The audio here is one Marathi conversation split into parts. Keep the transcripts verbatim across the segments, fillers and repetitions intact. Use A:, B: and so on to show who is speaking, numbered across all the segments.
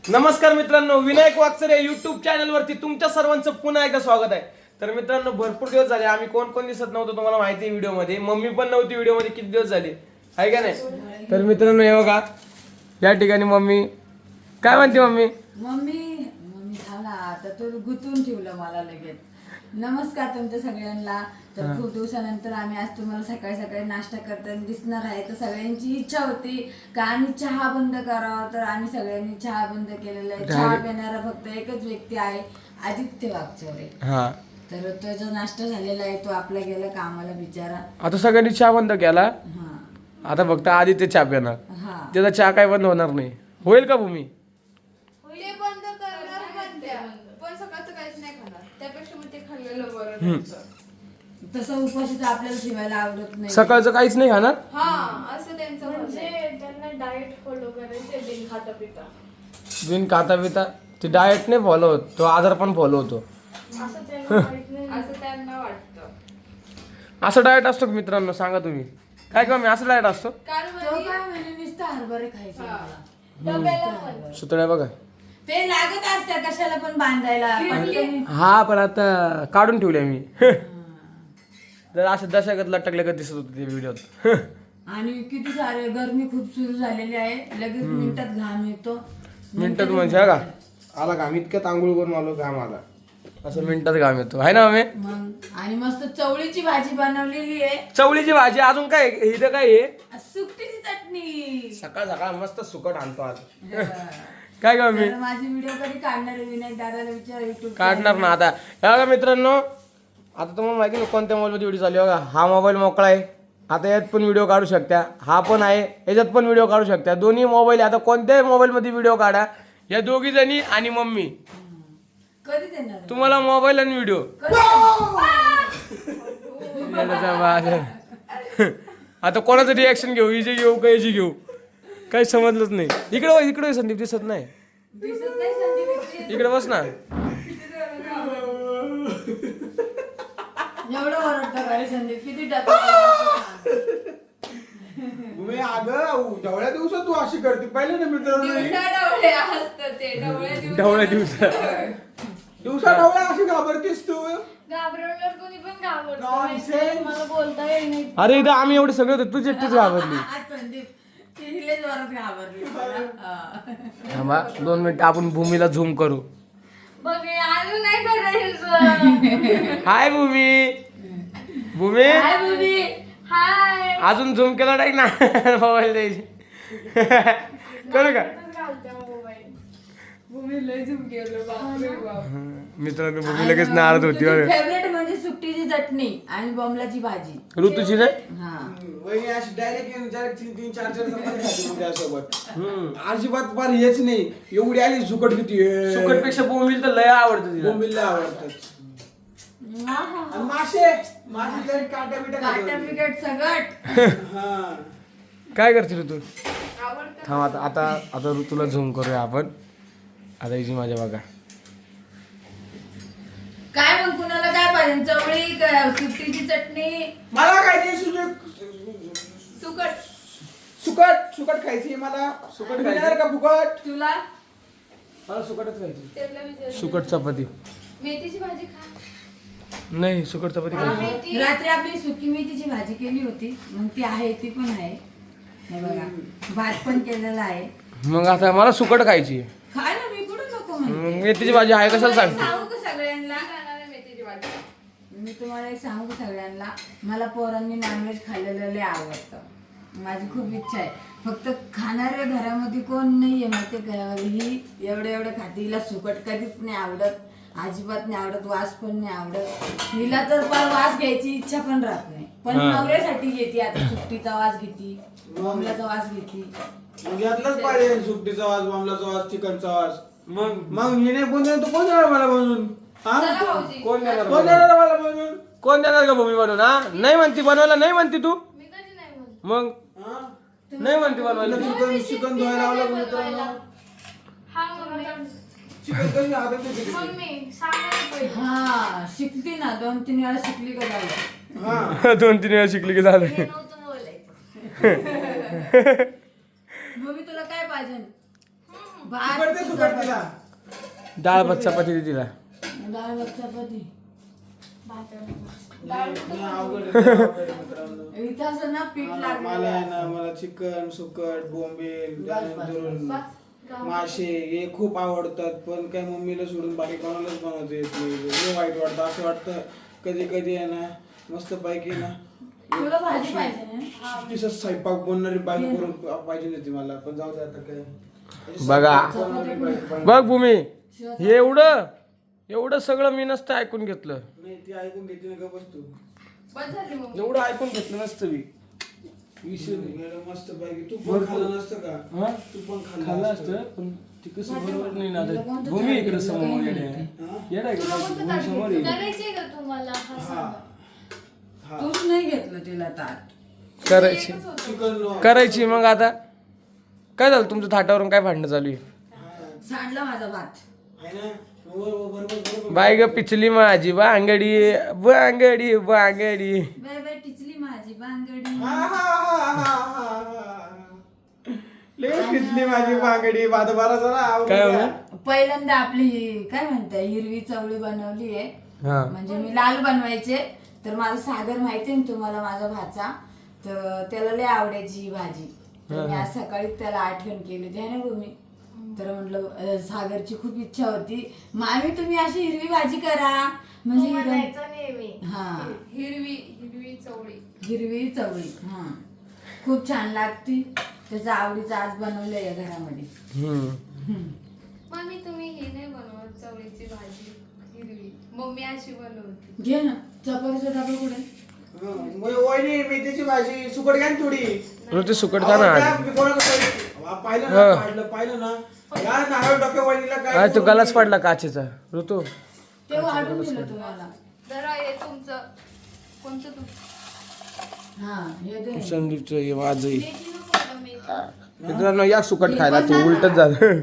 A: नमस्कार मित्रांनो, विनायक वाकचरे युट्यूब चॅनल वरती तुमच्या सर्वांचं पुन्हा एकदा स्वागत आहे. तर मित्रांनो, भरपूर दिवस झाले आम्ही कोण कोण दिसत नव्हतो तुम्हाला माहिती आहे. व्हिडिओ मध्ये मम्मी पण नव्हती. व्हिडिओ मध्ये किती दिवस झाले आहे का नाही. तर मित्रांनो हे बघा, या ठिकाणी मम्मी काय म्हणते. मम्मी
B: मम्मी मम्मी झाला आता तो गुंतून ठेवलं मला लगेच. नमस्कार तुमच्या सगळ्यांना. तर खूप दिवसानंतर आम्ही आज तुम्हाला सकाळी सकाळी नाश्ता करताना दिसणार आहे. तर सगळ्यांची इच्छा होती का आम्ही चहा बंद करावा, तर आम्ही सगळ्यांनी चहा बंद केलेला आहे. चहा पिणारा फक्त एकच व्यक्ती आहे, आदित्य वाकचौरे.
A: हा,
B: तर तो जो नाश्ता झालेला आहे तो आपला गेला कामाला बिचारा.
A: आता सगळ्यांनी चहा बंद केला.
B: हा
A: आता फक्त आदित्य चहा पिणार.
B: हा
A: त्याचा चहा काय बंद होणार नाही. होईल का भूमी?
C: ते बंद करणार म्हणत्या, पण सकाळचं काहीच नाही खाणार. त्यापेक्षा मग ते खाल्लेलं बरं त्यांचं.
B: तसं उपाशी तर आपल्याला ठेवायला आवडत नाही.
A: सकाळचं काहीच नाही खाणार.
C: हा, असं त्यांचं म्हणणं आहे.
D: म्हणजे त्यांना डाएट फॉलो करायचे बिन खाता पिता.
A: बिन खाता पिता ते डाएट नाही फॉलो होत, तो आजार पण फॉलो होतो.
D: असं त्यांना माहित नाही.
C: असं त्यांना वाटतं.
A: असं डाएट असतो का मित्रांनो? सांगा तुम्ही काय का मी असं डाएट असतो.
C: कारण
B: तो
C: म्हणजे
B: काय म्हणे नुसतं हरभरे खायचे
C: हा.
B: मला.
D: डब्याला पण.
A: सुतळ्या बघा.
B: ते लागत असतात कशाला पण बांधायला. पण
A: हा, पण आता काढून ठेवले मी. जर असं दशागत लटकले का दिसत होतं ते व्हिडिओत.
B: आणि किती सारे गरमी खूप सुरू झालेली आहे. लगेच मिनिटात घाम येतो.
A: मिनिटात म्हणजे हा का आला घाम, इतक्यात आंघोळ करून आलो घाम आला. असं मिनिटात घाम येतो आहे ना. आम्ही
B: मग आणि मस्त चवळीची भाजी बनवलेली आहे.
A: चवळीची भाजी अजून काय इथं काय आहे.
B: सुकटीची चटणी.
A: सकाळ सकाळ मस्त सुकट आणतो आज. काय का मी
B: तर माझी व्हिडिओ कधी काढणार आहे विनायक दादाला विचार युट्यूब
A: काढणार ना आता. हे बघा मित्रांनो, आता तुम्हाला माहिती नाही कोणत्या मोबाईलमध्ये व्हिडिओ चालू आहे. बघा, हा मोबाईल मोकळा आहे. आता यात पण व्हिडिओ काढू शकता. हा पण आहे, याच्यात पण व्हिडिओ काढू शकता. दोन्ही मोबाईल, आता कोणत्याही मोबाईलमध्ये व्हिडिओ काढा. या दोघी जणी आणि मम्मी
B: कधी देणार आहे?
A: तुम्हाला मोबाईल आणि व्हिडिओ. आता कोणाचं रिॲक्शन घेऊ, हिचे घेऊ का याची घेऊ, काही समजलंच नाही. इकडे बघ, इकडे संदीप दिसत नाही.
B: दिसत नाही संदीप.
A: इकडे बस ना.
B: एवढं ओरडतं का रे संदीप? किती टाकतो.
E: तुम्ही अगं ढवळ्या दिवसात तू अशी करते पहिले ना मित्रांनो.
C: दिवसा डवळे असतं ते डवळे दिवसा.
A: ढवळ्या दिवसा
E: दिवसा ढवळ्या अशी घाबरतीस तू.
D: घाबरवल्यावर कोणी पण घाबरतं.
E: Nonsense.
D: माहितीये, मला बोलता येईल नाही.
A: अरे इथं आम्ही एवढे सगळे होतो, तुझी एकटीच घाबरली.
B: आज संदीप तिलेच वरच घाबरली मला. हा.
A: थांबा दोन मिनिट, आपण भूमीला झूम करू.
D: बघ हे अजून नाही करायचं.
A: हाय भूमी. भूमी
B: काय बोलली?
D: हाय.
A: अजून झूम केला नाही ना मोबाईल द्यायची. करू का
D: घालते मोबाईल.
C: भूमी लय झुम गेलो बापरे बाप.
A: मित्रांनो, भूमी लगेच नाराज होती. बरं,
B: फेवरेट म्हणजे सुकटीची चटणी आणि बॉम्बलाची भाजी.
A: ऋतूची नाही.
B: हा
E: वहिनी अशी डायरेक्ट डायरेक्ट तीन तीन चार चार चपाती खाते मग त्यासोबत. अजिबात फार हेच नाही. एवढी आली सुकट किती
A: सुकट पेक्षा भूमीला तर लय आवडतं तिला.
E: बोंबिलला आवडतात.
B: आहा.
E: आणि मासे मासे जरी काट्या बिट्या
B: काट्या बिकट सगट.
E: हा.
A: काय करते ऋतू?
C: आवडतं.
A: थांब आता आता आता ऋतूला झूम करूया आपण. आता हिची माझ्या बघा.
B: काय मग कुणाला काय पाहिजे? चवळी का सुकटीची चटणी?
E: मला काय ते सुजक
C: सुकट.
E: सुकट सुकट खायची मला.
A: सुकट
E: सुकट
A: खायची?
E: का फुकट?
B: तुला
A: मला सुकटच खायची.
C: त्याला विचार.
A: सुकट चपाती
C: मेथीची भाजी खा.
A: नाही, सुकट चपाती खायची.
C: मेथी.
B: रात्री आपली सुकी मेथीची भाजी केली होती, मग ती आहे, ती पण आहे. हे बघा, भात पण केलेला आहे.
A: मग आता मला सुकट खायची.
B: खाय ना, मी कुठं नको म्हणते.
A: मग मेथीची भाजी आहे कशाला
B: तुम्हाला एक
A: सांगते.
B: सांगू का सगळ्यांना?
C: खाणार आहे मेथीची भाजी.
B: मी तुम्हाला एक सांगू का सगळ्यांना, मला पोरांनी नॉनव्हेज खाल्लेलं लय आवडतं. माझी खूप इच्छा आहे. फक्त खाणाऱ्या घरामध्ये कोण नाहीये माहिती का? ही एवढं एवढं खाते. हिला सुकट कधीच नाही आवडत, अजिबात नाही आवडत. वास पण नाही आवडत. हिला तर पण वास घ्यायची इच्छा पण राहत नाही. पण
A: हा.
B: नवऱ्यासाठी घेते. आता सुकटीचा वास घेते, बोंबलाचा वास घेते.
E: मग यातलंच पाहिजे. सुकटीचा वास, बॉम्बलाचा वास, चिकनचा वास.
A: मग
E: मग हिने बनवून तू कोण देणार मला बनवून? हा?
C: चला भाऊजी.
A: कोण देणार
E: कोण
A: बनवून?
E: देणार मला बनवून?
A: कोण देणार का भूमी बनवून? हा, नाही म्हणती बनवायला. नाही म्हणती तू.
D: मी कधी नाही म्हणत.
A: मग
E: हा?
A: नाही म्हणती बनवायला.
E: चिकन चिकन धुवायला लावलं मित्रांनो.
D: हा मम्मी.
E: चिकन कशी हातात येते?
D: मम्मी सांगायला पाहिजे.
B: हा शिकली ना, दोन तीन वेळा शिकली का झालं.
E: हा.
A: दोन तीन वेळा शिकली की झालं.
D: हे नव्हतं बोलायचं.
B: मग मी तुला काय पाहिजे? भात
E: सुकट ते सुकट तिला.
A: डाळ भात चपाती दे तिला.
B: डाळ भात चपाती
E: नाही, नाही, अवघड आहे, अवघड आहे मित्रांनो.
B: इथं असं ना पीठ
E: मला मला आहे
B: लागलं
E: ना मला चिकन सुकट बोंबील
B: बस,
E: त्यानंतर मासे हे खूप आवडतात, पण काय मम्मीला सोडून बाकी कोणालाच बनवता येत नाही. लय वाईट वाटतं. असं वाटतं कधी कधी आहे ना मस्त पैकी ना
B: तुला भाजी पाहिजे ना
E: तिचं स्वयंपाक बनणारी बायको करून पाहिजे नव्हती मला, पण जाऊ दे आता काय.
A: बघा.
E: बनवणारी बायको पाहिजे.
A: बघ भूमी, हे एवढं एवढं सगळं मी नसतं ऐकून घेतलं.
E: नाही ती ऐकून घेते ना का बस तू.
C: बस झाली मग
A: एवढं ऐकून घेतलं नसतं मी. विषय नाही.
E: गेलं मस्त पैकी. तू पण खाल्लं नसतं का?
A: हा?
E: तू पण
A: खाल्लं
E: खाल्लं
A: असतं पण ते कसं बरोबर नाही ना.
B: तुला
A: आता
B: कोणतं
A: भूमी
B: ताट
A: इकडे
B: दिलं?
A: समोर
B: काही
A: येडे
B: माहिती.
E: हा?
A: येडा आहे
C: तुला
A: का?
C: कोणतं
A: भूमी
C: ताट
A: समोर
C: घेतलं?
A: ये.
D: करायचंय का तुम्हाला हा
E: हा
D: सांगा.
E: हा
B: तूच नाही घेतलं तिला ताट
A: करायची
C: एकच होतं.
E: चिकन
A: करायची मग आता काय झालं तुमच्या थाटावरून काय भांडणं चालू आहे?
B: सांडला माझा भात
E: आहे ना बरोबर बरोबर बरोबर.
A: बाय ग पिचली माझी बांगडी बांगडी बांगडी.
B: बाय बाय टिचली माझी बांगडी
E: हा, हा, हा, हा, हा, हा. लय पिचली माझी बांगडी बादबारा जरा आवडली
A: काय
E: का?
A: हो?
B: पहिल्यांदा आपली ही काय म्हणते हिरवी चवळी बनवली आहे.
A: हा
B: म्हणजे मी लाल बनवायचे तर माझा सागर माहिती आहे ना तुम्हाला माझा भाचा, तर त्याला लय आवडायची ही भाजी. तर मी आज सकाळीच त्याला आठवण केली होती है ना भूमी. तर म्हटलं अं, सागरची खूप इच्छा होती मामी तुम्ही अशी हिरवी भाजी करा म्हणजे
D: तो
B: हिरवी-
D: म्हणायचा नेहमी
B: हा
C: हिरवी हिरवी चवळी.
B: हिरवी चवळी हा खूप छान लागती. त्याचा आवडीचं आज बनवलंय या घरामध्ये.
A: हम्म.
C: मम्मी तुम्ही ही नाही बनवत चवळीची भाजी हिरवी, मम्मी अशी बनवते.
B: घे ना चपातीचा डबा कुठे
E: हा, मग वहिनी मेथीची भाजी सुकट घ्या ना थोडी.
A: ऋतू सुकट खा ना
E: अहो, त्या
A: आज.
E: मी कोणाला पाहिलं- वा, पाहिलं
A: हा.
E: ना पाहिलं पाहिलं ना या नारळ डोक्या वहिनीला काय
A: आज तो गलाच पडला काचेचा ऋतू.
B: ते वाढून दिलं तुम्हाला.
C: जरा हे तुमचं कोणतं तू
B: हा हे दे.
A: संदीपचं हे वाजही.
C: मेथी नको का मेथी?
A: मित्रांनो या सुकट खायला ते उलटच झालं.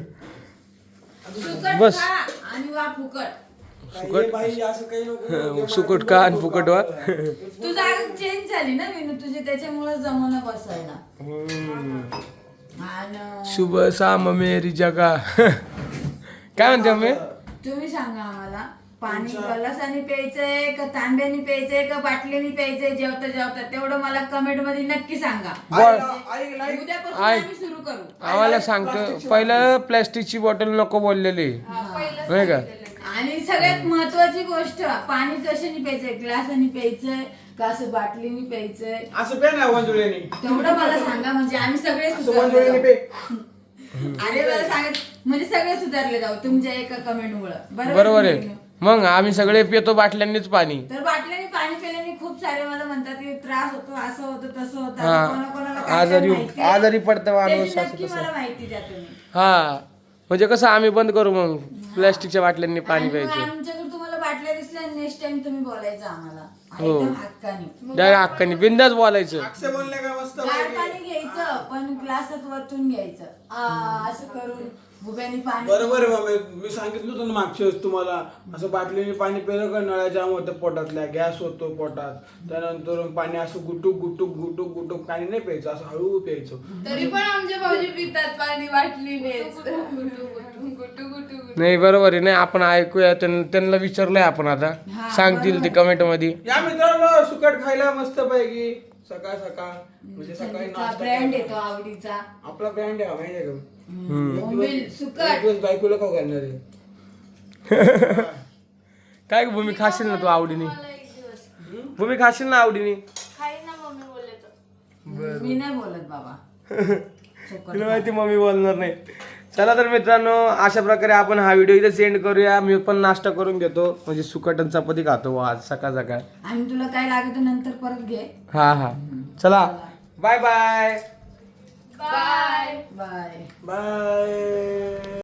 B: सुकट
A: बस.
B: खा आणि वा फुकट.
E: काय हे बाई असं काही नको.
A: सुकट का आणि फुकट वा.
B: तू जागा चेंज झाली ना विनू तुझी त्याच्यामुळे जमवणं बसायला. आणि
A: शुभ साम मेरी जगा. काय म्हणते मम्मी?
B: तुम्ही सांगा आम्हाला पाणी गलासाने प्यायचंय का तांब्याने प्यायचंय का बाटलीने प्यायचंय जेवता जेवता तेवढं मला कमेंट मध्ये नक्की सांगा.
E: ऐक लाईक
B: उद्यापासून
A: ऐक.
B: आम्ही सुरू करू.
A: आम्हाला सांगतो पहिलं प्लॅस्टिकची बॉटल नको बोललेली
C: हा, पहिलं
A: नाही का?
C: सांगितलेलं.
B: आणि सगळ्यात महत्वाची गोष्ट पाणी कशाने प्यायचंय ग्लासाने प्यायचंय का असं बाटलीने प्यायचंय
E: असं पे ना वंजुळ्यानी
B: तेवढं मला सांगा म्हणजे आम्ही सगळे
E: असं
B: सुधारले
E: वंजुळ्यानी
B: जाऊ.
E: पे.
B: अरे मला सांगत म्हणजे सगळे सुधारले जाऊ तुमच्या एका कमेंट मुळे
A: बरोबर आहे. मग आम्ही सगळे पितो बाटल्यांनीच पाणी.
B: तर बाटल्याने पाणी पिल्याने खूप सारे मला म्हणतात की त्रास होतो असं होतं तसं होतं
A: हा.
B: आता कोणाकोणाला काय काय
A: आजारी
B: माहिती आहे.
A: आजारी पडतं माणूस
B: त्याची
A: असं
B: नक्की
A: तसं.
B: मला माहिती द्या तुम्ही.
A: हा म्हणजे कसं आम्ही बंद करू मग प्लॅस्टिकच्या बाटल्यांनी पाणी
B: आणि मग
A: प्यायचं.
B: आमच्याकडे तुम्हाला बाटल्या दिसल्या नेक्स्ट टाइम तुम्ही बोलायचं आम्हाला
A: हो.
B: एकदम हक्काने.
A: त्या हक्काने बिंदास बोलायचं.
E: अक्षय बोलले का मस्त
B: गार
E: पैकी.
B: पाणी घ्यायचं पण ग्लासात वरतून घ्यायचं आ, असं करून भुब्याने पाणी
E: बरोबर आहे मम्मी मी सांगितलं होतं ना मागच्या वेळेस तुम्हाला असं बाटलीने पाणी पिलं का नळ्या जाम होतं पोटातल्या गॅस होतो पोटात त्यानंतर पाणी असं गुटुक गुटुक गुटुक गुटुक पाणी नाही प्यायचं असं हळू प्यायचं.
C: तरी पण आमचे भाऊजी पितात पाणी बाटलीने. गुटू गुटू गुटू गुटू गुटू.
A: नाही बरोबर आहे. नाही आपण ऐकूया त्यां- त्यांना विचारलंय आपण आता
B: हा,
A: सांगतील ते कमेंट मध्ये.
E: या मित्रांनो सुकट खायला मस्त पैकी सकाळ सकाळ म्हणजे सकाळी नाश्ता
B: ब्रँड
E: करा.
B: येतो आवडीचा
E: आपला ब्रँड आहे हा, माहिती आहे का
B: बोंबील
E: एक
B: सुकट
E: दिवस बायकोला खाऊ घालणार आहे.
A: काय ग भूमी खाशील ना तू आवडीने?
D: मला एक दिवस
A: भूमी खाशील ना आवडीने?
D: खाईन ना मम्मी बोलले तर.
B: मी नाही बोलत बाबा सुकट
A: तुला माहिती मम्मी बोलणार नाही. चला तर मित्रांनो अशा प्रकारे आपण हा व्हिडिओ इथे सेंड करूया. मी पण नाश्ता करून घेतो म्हणजे सुकट आणि चपाती खातो आज सकाळ सकाळ.
B: आणि तुला काय लागत नंतर परत घे.
A: हा हा चला bye bye
C: bye
B: bye
E: bye.